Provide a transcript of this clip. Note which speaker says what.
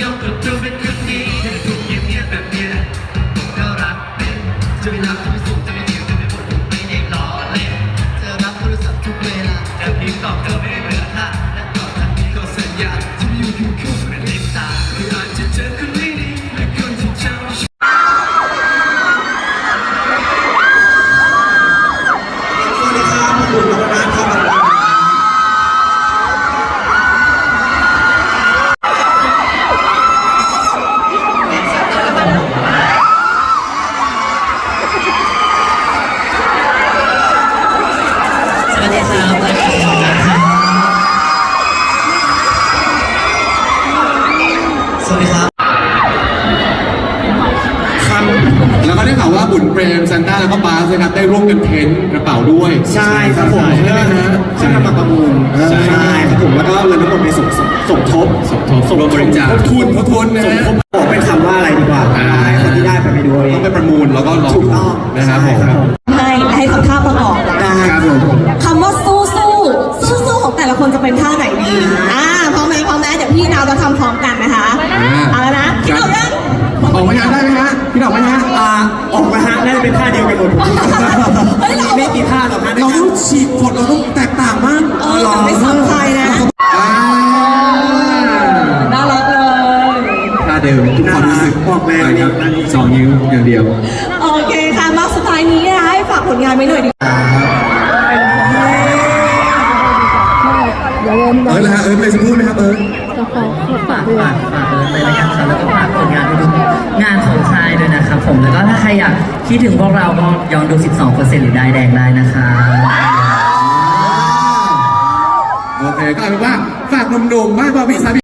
Speaker 1: ยกกับตัวเป็นคนนี้ถูกเงียบแบบเนี้ยก็รักเป็นจะไม่รักจะไม่สูงจะไม่เที่ยวจะไม่บ่นไม่ได้ล้อเล่นจะรับโทรศัพท์ทุกเวลาจะพิมพ์ตอบเธอไม่ได้เบื่อท่าและต่อจากนี้ก็สัญญาจะไม่อยู่คู่เป็นเด็กตาคืออาจจะเจอคนไม่ดีและคนที่เจ้าสวัสดีครับ
Speaker 2: แล้วก็ได้ข่าวว่าบุญเปรมซันต้าแล้วก็บาสนะครับได้ร่วมกันเพ้นท์กระเป๋าด้วย
Speaker 3: ใช่ครับผม
Speaker 2: ใช่ไหมฮะ
Speaker 3: ใช่นำมาประมูลใช่ครับผมแล้วก็เงินทั้งหมดไปสมทบ
Speaker 2: ร่วมบริจาคทบทุนนะฮะ
Speaker 3: บอกเป็นคำว่าอะไรดีกว่าให้คนที่ได้ไปดูเอง
Speaker 2: ต้องไปประมูลแล้วก็ลองดูนะครับผม
Speaker 4: ให้ทำท่าประกอบ
Speaker 3: ได้ครับผม
Speaker 4: คำว่าสู้ของแต่ละคนจะเป็นท่าไหนดีพร้อมไหมเดี๋ยวพี่นาวจะทำพร้อมกันนะคะเอาแล้วนะพี่ดอกยัง
Speaker 2: ออกมาได้ไหมฮะพี่ดอกไหมฮะ
Speaker 3: ออกมาฮะน่าจะเป็นท่าเดียวกันหมดไม่กี่ท่าหรอกฮะ
Speaker 2: เราต้องฉีกกฎเราต้องแตกต่างมาก
Speaker 4: แต่ไม่ซ้ำใครนะน่ารักเลย
Speaker 2: ท่าเดิมทุกความรู้สึก
Speaker 3: ออกแรง
Speaker 2: ครับ2 นิ้วอย่างเดียว
Speaker 4: โอเคค่ะมาสุดท้ายนี้ให้ฝากผลงานไว้หน่อยดี
Speaker 2: นะฮะเลยจะพูดไหมครับ
Speaker 1: ฝากเลยละกันครับแล้วก็ฝากผลงานทุกงานของค่ายด้วยนะครับผมแล้วก็ถ้าใครอยากคิดถึงพวกเราก็ย้อนดู 12% หรือได้แดงได้นะคะ
Speaker 2: โอเคก็เอาเป็นว่าฝากหนุ่มๆบ้านบอบี้